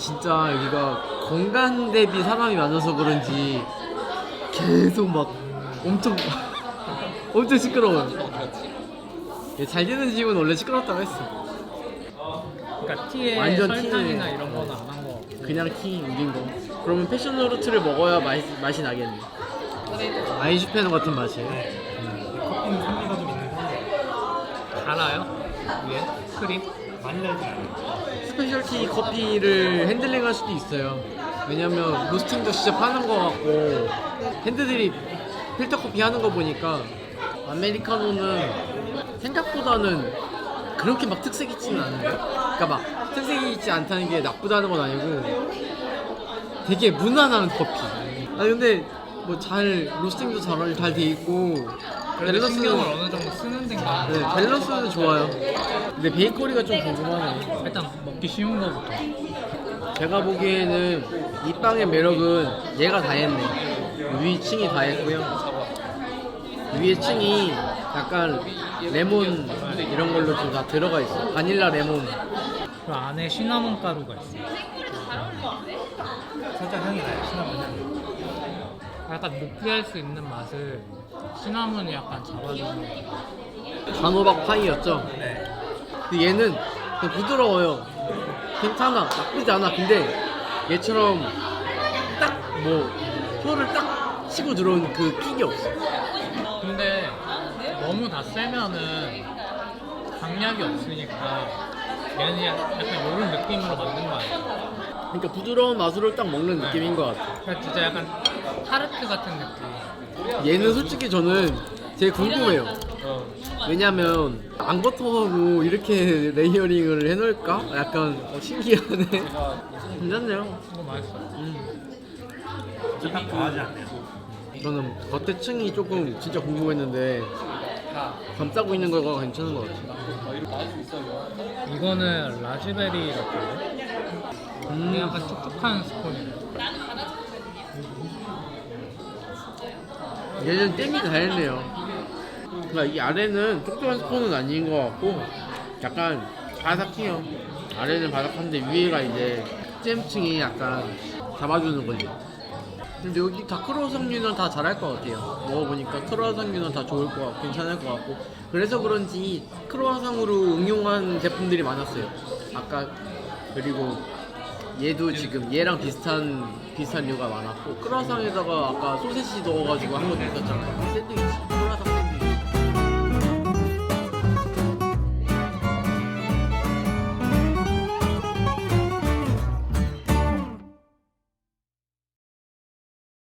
진짜 여기가 공간 대비 사람이 많아서 그런지 계속 막 엄청 엄청 시끄러워요. 잘 되는 집은 원래 시끄럽다고 했어. 그러니까 티에 완전 설탕이나 티네. 이런 거는 안 한 거. 그냥 티 우린 거. 그러면 패션 후르트를 먹어야 맛이 나겠네. 아인슈페너 같은 맛이에요. 커피는 산미가 좀 있는 편이에요. 달아요? 위에 크림? 많이 달지 않아요. 스페셜티 커피를 핸들링할 수도 있어요. 왜냐면 로스팅도 진짜 파는 거 같고 핸드들이 필터 커피 하는 거 보니까 아메리카노는 생각보다는 그렇게 막 특색 있지는 않은데. 그러니까 막 특색이 있지 않다는 게 나쁘다는 건 아니고 되게 무난한 커피. 아 근데 뭐 잘 로스팅도 잘 돼 있고 그래도 신경을 어느 정도 쓰는 데인가. 네, 밸런스는 좋아요. 근데 베이커리가 좀 궁금하네. 일단 먹기 쉬운 거부터. 제가 보기에는 이 빵의 매력은 얘가 다 했네. 위 층이 다 했고요. 위에 층이 약간 레몬 이런 걸로 좀 다 들어가 있어. 바닐라 레몬. 그 안에 시나몬 가루가 있어. 살짝 향이 나요. 시나몬 향이. 약간 느끼할 수 있는 맛을 시나몬이 약간 잡아주는. 단호박 파이였죠. 네. 근데 얘는 그냥 부드러워요. 괜찮아. 나쁘지 않아. 근데 얘처럼 딱 뭐 혀를 딱 치고 들어온 그 킥이 없어. 근데 너무 다 세면은 강약이 없으니까 얘는 약간 이런 느낌으로 만든 거 아니야? 그러니까 부드러운 맛으로 딱 먹는 느낌인 것 같아. 그러니까 진짜 약간 타르트 같은 느낌. 얘는 솔직히 저는 제일 궁금해요. 왜냐면 앙버터하고 이렇게 레이어링을 해놓을까? 약간 신기하네. 괜찮네요. 이거 맛있어. 딱 과하지 않네요. 저는 겉에 층이 조금 진짜 궁금했는데 감싸고 있는 거가 괜찮은 것 같아요. 이거는 라즈베리 같은데? 이게 약간 촉촉한 스콘이네. 얘는 땜이 다 했네요. 그러니까 이 아래는 촉촉한 스폰은 아닌 것 같고 약간 바삭해요. 아래는 바삭한데 위에가 이제 잼층이 약간 잡아주는 거지. 근데 여기 다 크로아상류는 다 잘할 것 같아요. 먹어보니까 크로아상류는 다 좋을 것 같고 괜찮을 것 같고 그래서 그런지 크로아상으로 응용한 제품들이 많았어요. 아까 그리고 얘도 지금 얘랑 비슷한 류가 많았고 크로아상에다가 아까 소세지 넣어가지고 한 것도 있었잖아요. 샌드위치.